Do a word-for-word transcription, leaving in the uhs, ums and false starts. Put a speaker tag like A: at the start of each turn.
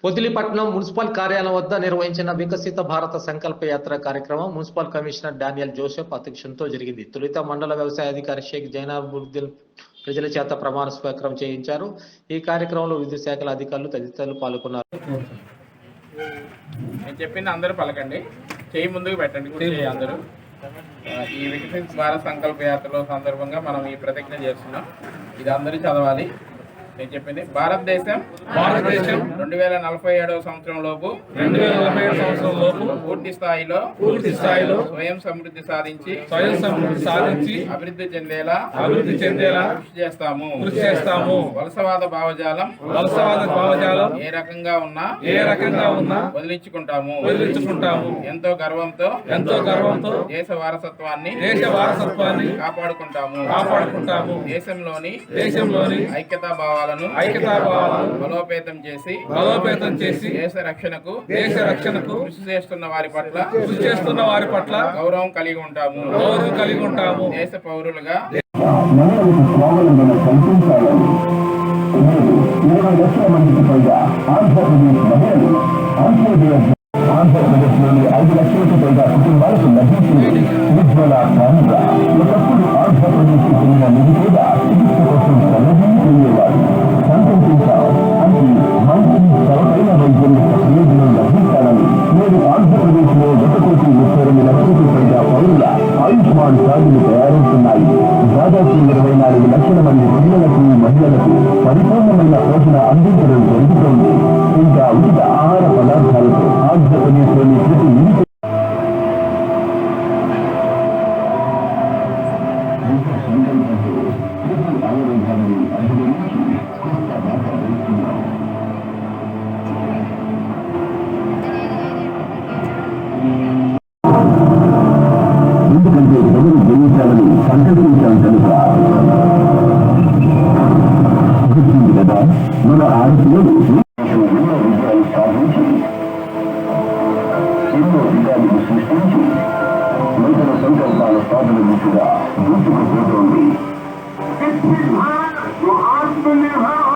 A: పొదిలిపట్నం municipal కార్యాలయం వద్ద నిర్వహించిన వికసిత భారత సంకల్ప యాత్ర కార్యక్రమం మున్సిపల్ కమిషనర్ డానియల్ జోసెఫ్ అధ్యక్షతతో జరిగింది. తొలుత మండల వ్యవసాయ అధికారి షేక్ జైనాబుద్దీన్ ప్రజల చేత ప్రమాణ స్వీకారం చేయించారు. ఈ కార్యక్రమంలో వివిధ శాఖల అధికారులు తదితరులు పాల్గొన్నారు.
B: నేను చెప్పింది అందరూ పలకండి, చేయి ముందుకు పెట్టండి అందరూ. ఈ వికసిత భారత సంకల్ప యాత్రలో సందర్భంగా మనం ఈ ప్రతిజ్ఞ చేస్తున్నాం. ఇది అందరూ చదవాలి. నేను చెప్పింది భారతదేశం భారతదేశం రెండు వేల నలభై ఏడవ సంవత్సరం లోపు రెండు వేల నలభై ఏడు సంవత్సరం లోపు పూర్తి స్థాయిలో పూర్తి స్థాయిలో స్వయం సమృద్ధి సాధించి స్వయం సమృద్ధి సాధించి అభివృద్ధి చెందేలా అభివృద్ధి చెందేలా కృషి చేస్తాము కృషి చేస్తాము వలసవాద భావజాలం వలసవాద భావజాలం ఏ రకంగా ఉన్నా ఏ రకంగా ఉన్నా వదిలించుకుంటాము వదిలించుకుంటాము ఎంతో గర్వంతో ఎంతో గర్వంతో దేశ వారసత్వాన్ని దేశ వారసత్వాన్ని కాపాడుకుంటాము కాపాడుకుంటాము దేశంలోని దేశంలోని ఐక్యతా భావాలను ఐక్యతా భావాలను బలోపేతం చేసి బలోపేతం చేసి దేశ రక్షణకు దేశ రక్షణకు కృషి చేస్తున్న వారి పట్ల కృషి చేస్తున్న వారి పట్ల గౌరవం కలిగి ఉంటాము గౌరవం కలిగి ఉంటాము దేశ పౌరులుగా
C: ఆంధ్రప్రదేశ్లోని ఐదు లక్షలకు పైగా కుటుంబాలకు లభించింది ఉజ్వల కానుక. ఒకప్పుడు ఆంధ్రప్రదేశ్కి చెందిన నిధి కూడా చికిత్స కోసం తలదీ వెళ్ళేవారు. సంతోషించాం అంటే మంచి సరైన వైద్యం యొక్క ప్రయోజనం లభించాలని నేడు ఆంధ్రప్రదేశ్ లో ఒక కోటి ముప్పై రెండు లక్షలకు పైగా పౌరుల ఆయుష్మాన్ కార్డులు తయారవుతున్నాయి. దాదాపు ఇరవై నాలుగు లక్షల మంది పిల్లలకు మహిళలకు పరిపూర్ణమైన పోషణ అందించడం జరుగుతోంది. ఇంకా ఉచిత ఆహార పదార్థాలతో ఆంధ్రప్రదేశ్లోని ప్రతి ఇంటి ఎందుకంటే ప్రజలు జయించాలని సంకల్పించాం కనుక గుర్తుంది కదా మన ఆడపిల్లలు ఎన్నో విజయాలు సాధించి ఎన్నో విజయాలను సృష్టించి నూతన సంకల్పాల సాధన దిశగా దూసుకుపోతోంది.